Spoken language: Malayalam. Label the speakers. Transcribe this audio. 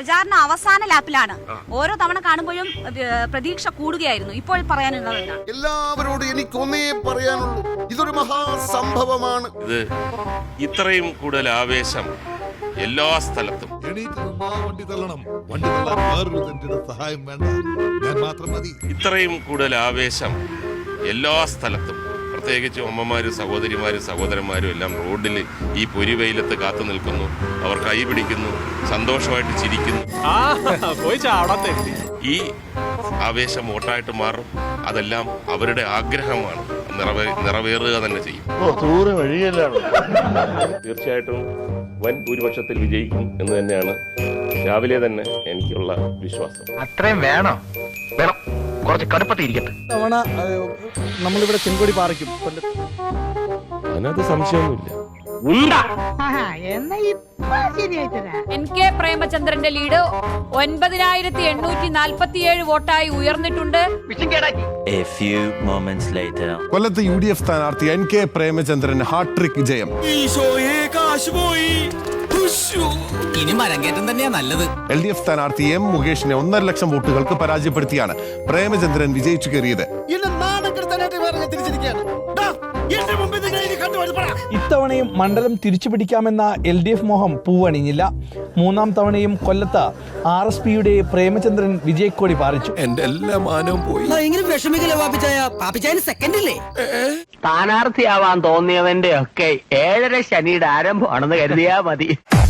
Speaker 1: പ്രചാരണ അവസാന ലാപ്പിലാണ്. ഓരോ തവണ കാണുമ്പോഴും പ്രതീക്ഷ കൂടുകയായിരുന്നു. ഇപ്പോൾ പറയാനുള്ളത്
Speaker 2: എല്ലാവരോടും എനിക്കൊന്നേ പറയാനുള്ളൂ, ഇതൊരു മഹാസംഭവമാണ്.
Speaker 3: ഇത് ഇത്രയും കൂടുതൽ ആവേശം എല്ലാ സ്ഥലത്തും ഇത്രയും കൂടുതൽ ആവേശം എല്ലാ സ്ഥലത്തും, പ്രത്യേകിച്ച് അമ്മമാരും സഹോദരിമാരും സഹോദരന്മാരും എല്ലാം റോഡിൽ ഈ പൊരിവെയിലത്ത് കാത്തു നിൽക്കുന്നു. അവർ കൈ പിടിക്കുന്നു, സന്തോഷമായിട്ട് ചിരിക്കുന്നു. ഈ ആവേശം വോട്ടായിട്ട് മാറും. അതെല്ലാം അവരുടെ ആഗ്രഹമാണ്, നിറവേറുക തന്നെ ചെയ്യും. തീർച്ചയായിട്ടും വൻ ഭൂരിപക്ഷത്തിൽ വിജയിക്കും എന്ന് തന്നെയാണ് രാവിലെ തന്നെ എനിക്കുള്ള വിശ്വാസം.
Speaker 4: അത്രയും വേണോ? വേണം, കുറച്ച് കടുപ്പത്തിരിക്കട്ടെ.
Speaker 5: തവണ നമ്മളിവിടെ ചെങ്കൊടി പാറിക്കും.
Speaker 3: അതിനകത്ത് സംശയമൊന്നുമില്ല.
Speaker 6: NK പ്രേമചന്ദ്രന്റെ ലീഡ് 9847 വോട്ടായി ഉയർന്നിട്ടുണ്ട്.
Speaker 7: കൊല്ലത്ത് UDF സ്ഥാനാർത്ഥി NK പ്രേമചന്ദ്രൻ ഹാട്രിക് ജയം.
Speaker 8: ഇനി മരങ്കേറ്റം തന്നെയാ നല്ലത്.
Speaker 7: LDF സ്ഥാനാർത്ഥി M മുകേഷിനെ 1.5 ലക്ഷം വോട്ടുകൾക്ക് പരാജയപ്പെടുത്തിയാണ് പ്രേമചന്ദ്രൻ വിജയിച്ചു കയറിയത്.
Speaker 5: ഇത്തവണയും മണ്ഡലം തിരിച്ചുപിടിക്കാമെന്ന LDF മോഹം പൂവണിഞ്ഞില്ല. മൂന്നാം തവണയും കൊല്ലത്ത് RSPയുടെ പ്രേമചന്ദ്രൻ വിജയക്കോടി പാറിച്ചു.
Speaker 2: എന്റെ എല്ലാ മാനവും പോയി.
Speaker 4: സ്ഥാനാർത്ഥിയാവാൻ തോന്നിയവന്റെ ഒക്കെ 7:30 ശനിയുടെ ആരംഭമാണെന്ന് കരുതിയാ മതി.